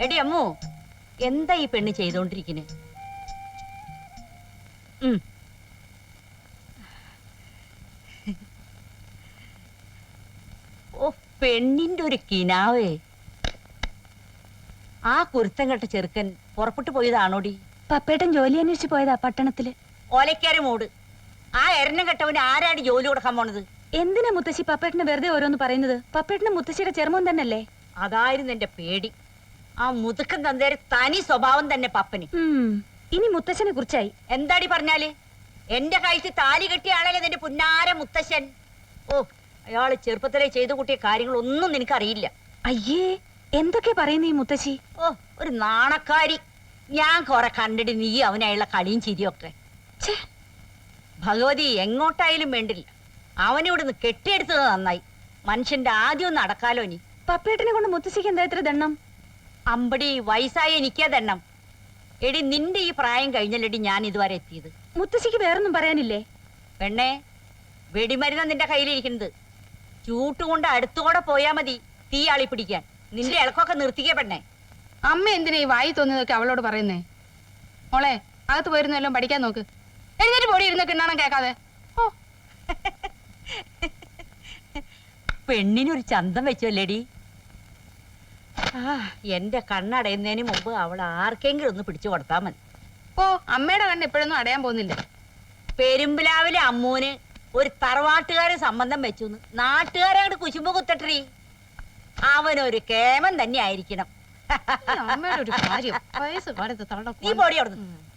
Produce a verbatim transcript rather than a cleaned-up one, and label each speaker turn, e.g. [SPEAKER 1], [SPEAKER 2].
[SPEAKER 1] എടി അമ്മു, എന്താ ഈ പെണ്ണ് ചെയ്തോണ്ടിരിക്കുന്നെ? ഉം ഓ, പെണ്ണിന്റെ ഒരു കിനാവേ. ആ കുരുത്തം കെട്ട ചെറുക്കൻ പുറപ്പെട്ടു പോയതാണോടി?
[SPEAKER 2] പപ്പേട്ടൻ ജോലി അന്വേഷിച്ചു പോയതാ പട്ടണത്തില്.
[SPEAKER 1] ഓലക്കാരെ മൂട്. ആ എരഞ്ഞം കെട്ടവന് ആരാടി ജോലി കൊടുക്കാൻ പോണത്?
[SPEAKER 2] എന്തിനാ മുത്തശ്ശി പപ്പേട്ടന് വെറുതെ ഓരോന്ന് പറയുന്നത്? പപ്പേട്ടന് മുത്തശ്ശിയുടെ ചെറുമോൻ തന്നല്ലേ?
[SPEAKER 1] അതായിരുന്നു എന്റെ പേടി. ആ മുതുക്കൻ തന്തേരെ തനി സ്വഭാവം തന്നെ പപ്പന്.
[SPEAKER 2] ഇനി മുത്തശ്ശനെ കുറിച്ചായി
[SPEAKER 1] എന്താടി പറഞ്ഞാല്? എന്റെ കഴുത്തിൽ താലി കെട്ടിയ ആളല്ലേ നിന്റെ പുന്നാര മുത്തശ്ശൻ. ഓ, അയാള് ചെറുപ്പത്തിലെ ചെയ്തു കൂട്ടിയ കാര്യങ്ങളൊന്നും നിനക്കറിയില്ല.
[SPEAKER 2] അയ്യേ, എന്തൊക്കെ പറയുന്നു ഈ മുത്തശ്ശി?
[SPEAKER 1] ഓ, ഒരു നാണക്കാരി. ഞാൻ കൊറേ കണ്ടിട്ട് നീ അവനായുള്ള കളിയും ചിരിയൊക്കെ. ഭഗവതി, എങ്ങോട്ടായാലും വേണ്ടില്ല, അവനിവിടുന്ന് കെട്ടിയെടുത്തത് നന്നായി. മനുഷ്യന്റെ ആദ്യം ഒന്ന് അടക്കാലോ. നീ
[SPEAKER 2] പപ്പേട്ടനെ കൊണ്ട് മുത്തശ്ശിക്ക് എന്താ ഇത്ര ദണ്ണം?
[SPEAKER 1] അമ്പടി, വയസ്സായ എനിക്കാ ദണ്ണം. എടി, നിന്റെ ഈ പ്രായം കഴിഞ്ഞല്ലടി ഞാൻ ഇതുവരെ എത്തിയത്.
[SPEAKER 2] മുത്തശ്ശിക്ക് വേറൊന്നും പറയാനില്ലേ?
[SPEAKER 1] പെണ്ണേ, വെടിമരുന്ന നിന്റെ കയ്യിലിരിക്കുന്നത്. ചൂട്ടുകൊണ്ട് അടുത്തുകൂടെ പോയാ മതി തീ ആളി പിടിക്കാൻ. നിന്റെ ഇളക്കൊക്കെ നിർത്തിക്കേ പെണ്ണേ.
[SPEAKER 3] അമ്മ എന്തിനാ ഈ വായി തോന്നിയതൊക്കെ അവളോട് പറയുന്നേ? മോളെ, അകത്ത് പോയിരുന്നെല്ലാം പഠിക്കാൻ നോക്ക്. എഴുന്നേറ്റ് പോടി, ഇരുന്ന് കിണ്ണാണം കേൾക്കാതെ. ഓ,
[SPEAKER 1] പെണ്ണിനൊരു ചന്തം വെച്ചല്ലേടി. ആ, എന്റെ കണ്ണടയുന്നതിന് മുമ്പ് അവൾ ആർക്കെങ്കിലും ഒന്ന് പിടിച്ചു കൊടുത്താ മതി.
[SPEAKER 3] ഓ, അമ്മയുടെ കണ്ണ് എപ്പോഴൊന്നും അടയാൻ പോകുന്നില്ല.
[SPEAKER 1] പെരുമ്പിലാവിലെ അമ്മൂന് ഒരു തറവാട്ടുകാരെ സംബന്ധം വെച്ചു. നാട്ടുകാരങ്ങോട്ട് കുശുമ്പ് കുത്തട്ടീ. അവനൊരു കേമൻ തന്നെ ആയിരിക്കണം.
[SPEAKER 3] അമ്മയുടെ ഒരു കാര്യം, വയസ്സ് കാലത്ത് തള്ള
[SPEAKER 1] നീ പോടി അവിടുന്ന്.